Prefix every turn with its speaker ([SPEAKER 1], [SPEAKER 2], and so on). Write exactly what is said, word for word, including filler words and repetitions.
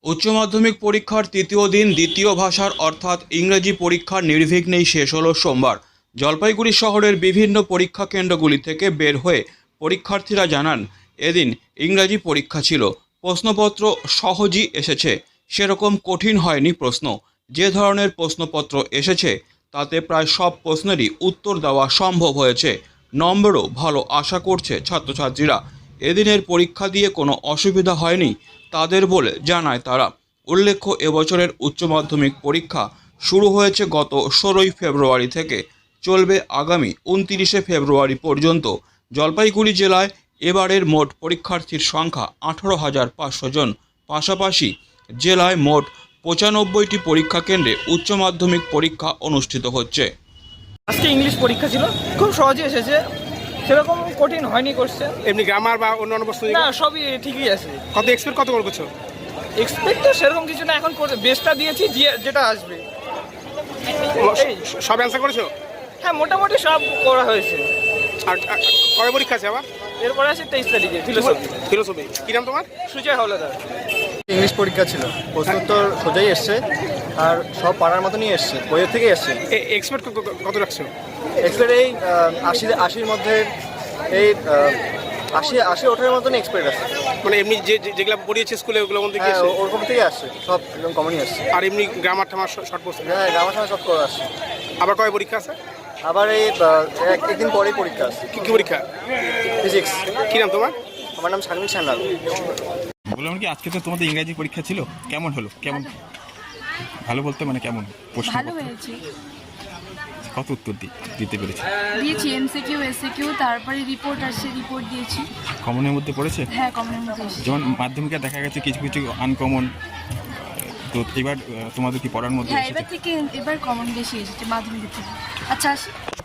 [SPEAKER 1] উচ্চ মাধ্যমিক পরীক্ষার তৃতীয় দিন দ্বিতীয় ভাষার অর্থাৎ ইংরেজি পরীক্ষার নির্বিঘ্নেই শেষ হলো সোমবার। জলপাইগুড়ি শহরের বিভিন্ন পরীক্ষা কেন্দ্রগুলি থেকে বের হয়ে পরীক্ষার্থীরা জানান, এদিন ইংরেজি পরীক্ষা ছিল। প্রশ্নপত্র সহজই এসেছে, সেরকম কঠিন হয়নি প্রশ্ন। যে ধরনের প্রশ্নপত্র এসেছে তাতে প্রায় সব প্রশ্নেরই উত্তর দেওয়া সম্ভব হয়েছে। নম্বরও ভালো আশা করছে ছাত্রছাত্রীরা। এদিনের পরীক্ষা দিয়ে কোনো অসুবিধা হয়নি তাদের বলে জানায় তারা। উল্লেখ্য, এবছরের উচ্চ মাধ্যমিক পরীক্ষা শুরু হয়েছে গত ষোলোই ফেব্রুয়ারি থেকে, চলবে আগামী উনতিরিশে ফেব্রুয়ারি পর্যন্ত। জলপাইগুড়ি জেলায় এবারের মোট পরীক্ষার্থীর সংখ্যা আঠারো হাজার পাঁচশো জন। পাশাপাশি জেলায় মোট পঁচানব্বইটি পরীক্ষা কেন্দ্রে উচ্চ মাধ্যমিক পরীক্ষা অনুষ্ঠিত হচ্ছে।
[SPEAKER 2] আজকে ইংলিশ পরীক্ষা ছিল, খুব সহজে এসেছে, সেরকম কঠিন হয়নি কোশ্চেন।
[SPEAKER 3] এমনি গ্রামার বা অন্যান্য প্রশ্ন
[SPEAKER 2] না, সবই ঠিকই আছে।
[SPEAKER 3] কত এক্সপেক্ট কত করছো?
[SPEAKER 2] এক্সপেক্ট তো সেরকম কিছু না, এখন বেস্টটা দিয়েছি, যে- যেটা আসবে। এই,
[SPEAKER 3] সব অ্যান্সার করেছো?
[SPEAKER 2] হ্যাঁ, মোটামুটি সব করা হয়েছে।
[SPEAKER 3] আর আর কবে পরীক্ষা আছে আবার?
[SPEAKER 2] এরপরে আছে তেইশ তারিখে ফিলোসফি।
[SPEAKER 3] ফিলোসফি। কি নাম তোমার?
[SPEAKER 2] সুজয় হাওলাদার।
[SPEAKER 4] ইংলিশ পরীক্ষা ছিল, প্রশ্নোত্তর সোজাই এসছে আর সব পাড়ার মতনই এসছে, বইয়ের থেকে এসছে।
[SPEAKER 3] এক্সপেক্ট কত রাখছো?
[SPEAKER 4] এক্সপেক্ট এই আহ, আশি আশির মধ্যে এই আহ, আশি আশি ওঠার মতন এক্সপেক্ট আছে।
[SPEAKER 3] মানে এমনি যে যে- যেগুলো পড়িয়েছে স্কুলে ওগুলোর মধ্যে কি
[SPEAKER 4] হ্যাঁ,
[SPEAKER 3] আছে?
[SPEAKER 4] ওরকম থেকে আসছে, সব একদম কমনই আসছে।
[SPEAKER 3] আর এমনি গ্রামার ঠামার শর্ট প্রশ্ন।
[SPEAKER 4] হ্যাঁ, আমার সময় সব করে আসছে।
[SPEAKER 3] আবার কবে পরীক্ষা আছে?
[SPEAKER 4] আবার এই আহ, এক- একদিন পরেই পরীক্ষা আছে,
[SPEAKER 3] কি কি পরীক্ষা?
[SPEAKER 4] ফিজিক্স।
[SPEAKER 3] কি নাম তোমার?
[SPEAKER 4] আমার নাম শারমিন সান্যাল।
[SPEAKER 5] বললাম কি, আজকে তো তোমাদের ইংরাজি পরীক্ষা ছিল, কেমন হলো? কেমন ভালো বলতে মানে কেমন প্রশ্ন?
[SPEAKER 6] ভালো হয়েছে,
[SPEAKER 5] কত উত্তর দি- দিতে পেরেছে?
[SPEAKER 6] দিয়েছি এমসিকিউ এসিকিউ, তারপরে রিপোর্ট আসছে, রিপোর্ট দিয়েছি।
[SPEAKER 5] কমনের মধ্যে পড়েছে?
[SPEAKER 6] হ্যাঁ, কমনের মধ্যে এসেছে।
[SPEAKER 5] যেমন মাধ্যমিকে দেখা গেছে কিছু কিছু আনকমন, তো এবার আহ, তোমাদের কি পড়ার মধ্যে
[SPEAKER 6] হ্যাঁ,
[SPEAKER 5] এসেছে?
[SPEAKER 6] এবার থেকে এবার কমন বেশি এসেছে মাধ্যমিক থেকে। আচ্ছা আসি।